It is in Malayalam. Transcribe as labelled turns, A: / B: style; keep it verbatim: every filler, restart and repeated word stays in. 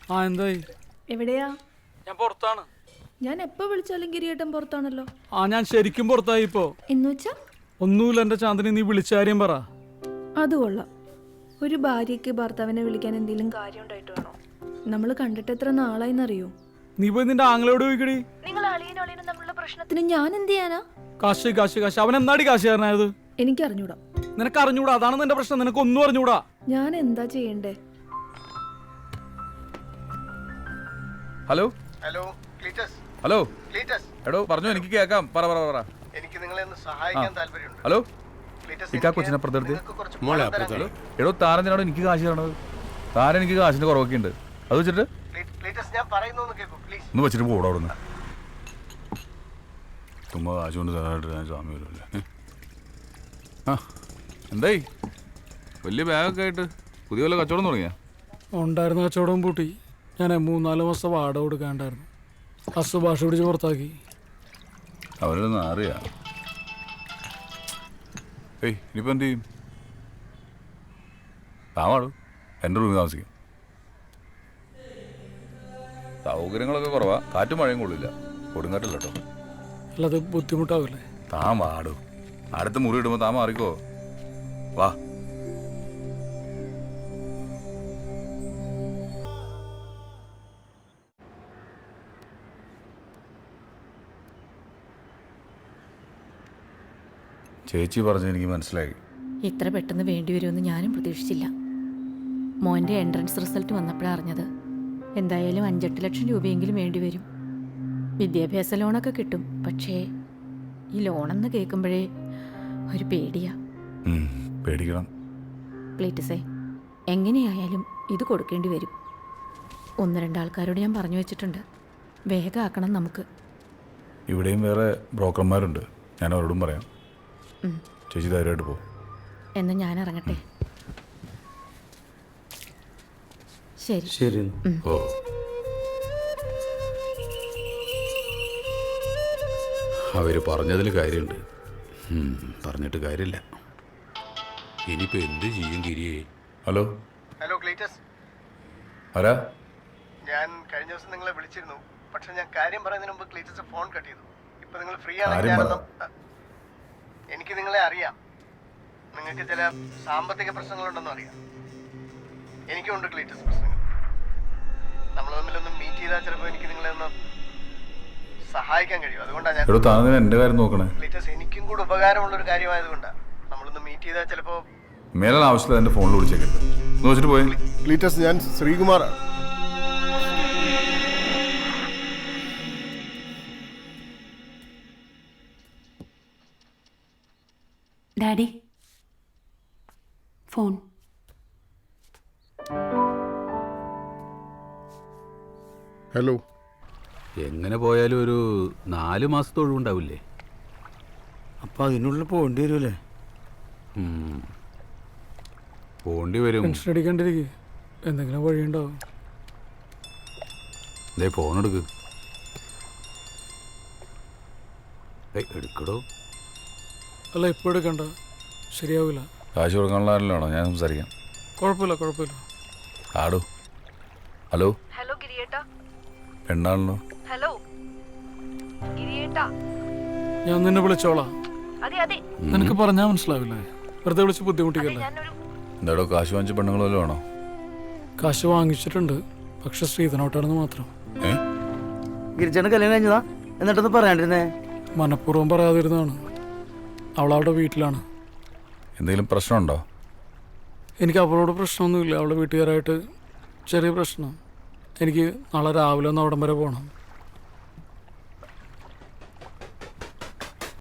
A: ആ എന്തായി?
B: എവിടെയാ?
A: ഞാൻ പുറത്താണ്.
B: ഞാൻ എപ്പോ വിളിച്ചാലും കിരീട്ടം പുറത്താണല്ലോ.
A: ആ ഞാൻ ശരിക്കും പുറത്തായി ഇപ്പോ.
B: എന്നുവെച്ചാ?
A: ഒന്നുമില്ല എന്റെ ചാന്ദിനി, നീ വിളിച്ച കാര്യം പറ.
B: അത് കൊള്ളാം. ഒരു ഭാര്യയ്ക്ക് ഭർത്താവിനെ വിളിക്കാൻ എന്തെങ്കിലും കാര്യം ഉണ്ടായിട്ട് വേണോ? നമ്മൾ കണ്ടിട്ട് എത്ര നാളായിന്നറിയോ?
A: നീ പോയി നിന്റെ ആങ്ങളോട് ചോദിക്കടി.
B: നിങ്ങൾ അളിയനും അളിയനും തമ്മിലുള്ള പ്രശ്നത്തിന് ഞാൻ എന്ത് ചെയ്യാനാ?
A: കാശ് കാശ് കാശ് അവൻ എന്നാടി കാശുകാരനായത്?
B: എനിക്ക് അറിഞ്ഞൂടാ.
A: നിനക്ക് അറിഞ്ഞൂടാ, അതാണ് നിന്റെ പ്രശ്നം. നിനക്ക് ഒന്നും അറിഞ്ഞൂടാ.
B: ഞാൻ എന്താ ചെയ്യണ്ടേ?
C: Hello
D: hello Cletus.
C: Hello
D: Cletus.
C: എടോ പറഞ്ഞു, എനിക്ക് കേൾക്കാം. പറ പറ പറ.
D: എനിക്ക് നിങ്ങളെ ഒന്ന് സഹായിക്കാൻ താല്പര്യമുണ്ട്.
C: ഹലോ
D: ക്ലീറ്റസ്,
C: ഇക്കാ കൊച്ചിനെ അപ്പുറത്തെടുത്ത്.
D: നിങ്ങൾക്ക് കുറച്ച് പണം തരാൻ കഴിയും?
C: എടോ താരനാണോ എനിക്ക് കാശ് തരണത്? താരൻ എനിക്ക് കാശിന്റെ കുറവൊക്കെ ഉണ്ട്. അത് വെച്ചിട്ട്
D: ക്ലീ- ക്ലീറ്റസ്, ഞാൻ പറയുന്നൊന്ന് കേൾക്കൂ പ്ലീസ്.
C: ഒന്ന് വെച്ചിട്ട് പോടാ അവിടെ നിന്ന്. തുമ്പ കാശ് കൊണ്ട് തരാനായിട്ട് ഞാൻ സ്വാമി വരുമല്ലേ. ആ എന്തായി? വലിയ ബാഗൊക്കെ ആയിട്ട് പുതിയ വല്ല കച്ചവടം തുടങ്ങിയാ?
A: ഉണ്ടായിരുന്ന കച്ചവടം പൂട്ടി. ഞാൻ മൂന്നാല് മാസം വാടക കൊടുക്കാണ്ടായിരുന്നു. ഹസ് ഭാഷ പിടിച്ച് പുറത്താക്കി.
C: അവരൊന്നും അറിയാ. ഏയ് ഇനിയിപ്പോൾ എന്ത് ചെയ്യും? താമാടും എൻ്റെ റൂമിൽ താമസിക്കും. സൗകര്യങ്ങളൊക്കെ കുറവാ. കാറ്റും മഴയും കൊള്ളില്ല. കൊടുങ്കാറ്റില്ല കേട്ടോ.
A: അല്ലാതെ ബുദ്ധിമുട്ടാവില്ലേ?
C: താൻ വാടും. അടുത്ത മുറി ഇടുമ്പോൾ താൻ മാറിക്കോ. വാ. ചേച്ചി പറഞ്ഞ് എനിക്ക് മനസ്സിലായി.
E: ഇത്ര പെട്ടെന്ന് വേണ്ടി വരുമെന്ന് ഞാനും പ്രതീക്ഷിച്ചില്ല. മോൻ്റെ എൻട്രൻസ് റിസൾട്ട് വന്നപ്പോഴാണ് അറിഞ്ഞത്. എന്തായാലും അഞ്ചെട്ട് ലക്ഷം രൂപയെങ്കിലും വേണ്ടി വരും. വിദ്യാഭ്യാസ ലോണൊക്കെ കിട്ടും. പക്ഷേ ഈ ലോണെന്ന് കേൾക്കുമ്പോഴേ ഒരു പേടിയാ.
C: പേടിക്കണം.
E: പ്ലീറ്റസേ, എങ്ങനെയായാലും ഇത് കൊടുക്കേണ്ടി വരും. ഒന്ന് രണ്ടാൾക്കാരോട് ഞാൻ പറഞ്ഞു വെച്ചിട്ടുണ്ട്. വേഗം ആക്കണം നമുക്ക്.
C: ഇവിടെയും വേറെ ബ്രോക്കർമാരുണ്ട്. ഞാൻ അവരോടും പറയാം. ചേച്ചി ധൈര്യമായിട്ട് പോകും.
E: എന്നാൽ ഞാൻ ഇറങ്ങട്ടെ. ശരി
F: ശരി.
C: ഓ
G: അവർ പറഞ്ഞതിൽ കാര്യമുണ്ട്. പറഞ്ഞിട്ട് കാര്യമില്ല. ഇനിയിപ്പോൾ എന്ത് ചെയ്യും ഗിരിയെ?
C: ഹലോ
D: ഹലോ ക്ലീറ്റസ്,
C: ആരാ?
D: ഞാൻ കഴിഞ്ഞ ദിവസം നിങ്ങളെ വിളിച്ചിരുന്നു. പക്ഷെ ഞാൻ കാര്യം പറയുന്നതിന് മുമ്പ് ക്ലീറ്റസ് ഫോൺ കട്ട് ചെയ്തു. ഇപ്പൊ നിങ്ങൾ ഫ്രീ
C: കാര്യം
D: ആണെങ്കിൽ
C: പറ.
D: ഞാനൊന്ന് എനിക്ക് നിങ്ങളെ അറിയാം. നിങ്ങൾക്ക് ചില സാമ്പത്തിക പ്രശ്നങ്ങളുണ്ടെന്ന് അറിയാം. എനിക്കുണ്ട് ക്ലീറ്റസ് പ്രശ്നങ്ങൾ. നമ്മൾ തമ്മിലൊന്ന് മീറ്റ് ചെയ്താൽ ചിലപ്പോൾ എനിക്ക് നിങ്ങളെ ഒന്ന് സഹായിക്കാൻ കഴിയും. അതുകൊണ്ടാണ് ഞാൻ
C: എടോ താൻ എൻ്റെ കാര്യം നോക്കണേ.
D: ക്ലീറ്റസ്, എനിക്കും കൂടെ ഉപകാരമുള്ള ഒരു കാര്യമായതുകൊണ്ടാണ്. നമ്മളൊന്ന് മീറ്റ് ചെയ്താൽ ചിലപ്പോൾ
C: മേലെ ആവശ്യമില്ല എൻ്റെ ഫോണിൽ വിളിച്ചേക്കരുത്. ഒന്ന് വെച്ചിട്ട് പോയി.
D: ക്ലീറ്റസ്, ഞാൻ ശ്രീകുമാറാണ്.
H: Daddy, phone.
D: ഹലോ.
G: എങ്ങനെ പോയാലും ഒരു നാല് മാസത്തെ ഒഴിവുണ്ടാവില്ലേ?
F: അപ്പം അതിനുള്ളിൽ പോകേണ്ടി വരുമല്ലേ?
G: പോണ്ടി വരും.
A: ടെൻഷൻ അടിക്കാണ്ടിരിക്കുക. എന്തെങ്കിലും വഴിയുണ്ടാവും.
G: ഇതേ ഫോൺ എടുക്ക്. ഏയ് എടുക്കടോ.
A: അല്ല ഇപ്പോൾ എടുക്കണ്ട, ശരിയാവില്ല.
C: കാശ് കൊടുക്കാനുള്ള ആരല്ലോ ഞാൻ സംസാരിക്കാം.
A: കുഴപ്പമില്ല കുഴപ്പമില്ല.
C: ആടോ. ഹലോ.
B: ഹലോ ഗിരിയേട്ടാ.
C: പെണ്ണാണല്ലോ.
B: ഹലോ ഗിരിയേട്ടാ.
A: ഞാൻ നിന്നെ വിളിച്ചോളാം.
B: അതെ അതെ.
A: നിനക്ക് പറഞ്ഞാൽ മനസ്സിലാവില്ലേ? വെറുതെ വിളിച്ച് ബുദ്ധിമുട്ടിക്കല്ലേ?
D: എന്താടോ കാശ് വാങ്ങിച്ച പെണ്ണുങ്ങൾ വല്ലതും ആണോ?
A: കാശ് വാങ്ങിച്ചിട്ടുണ്ട്, പക്ഷെ ശ്രീധനോട്ടാണെന്ന് മാത്രം.
D: ഏ
F: ഗിരിജാണ് കല്യാണം കഴിഞ്ഞതാ, എന്നിട്ടൊന്ന് പറയാണ്ടിരുന്നേ.
A: മനഃപൂർവ്വം പറയാതിരുന്നതാണ്. അവളവിടെ വീട്ടിലാണ്.
D: എന്തെങ്കിലും പ്രശ്നമുണ്ടോ?
A: എനിക്ക് അവളോട് പ്രശ്നമൊന്നുമില്ല. അവളുടെ വീട്ടുകാരായിട്ട് ചെറിയ പ്രശ്നം. എനിക്ക് നാളെ രാവിലെ ഒന്ന് അവിടം വരെ പോകണം.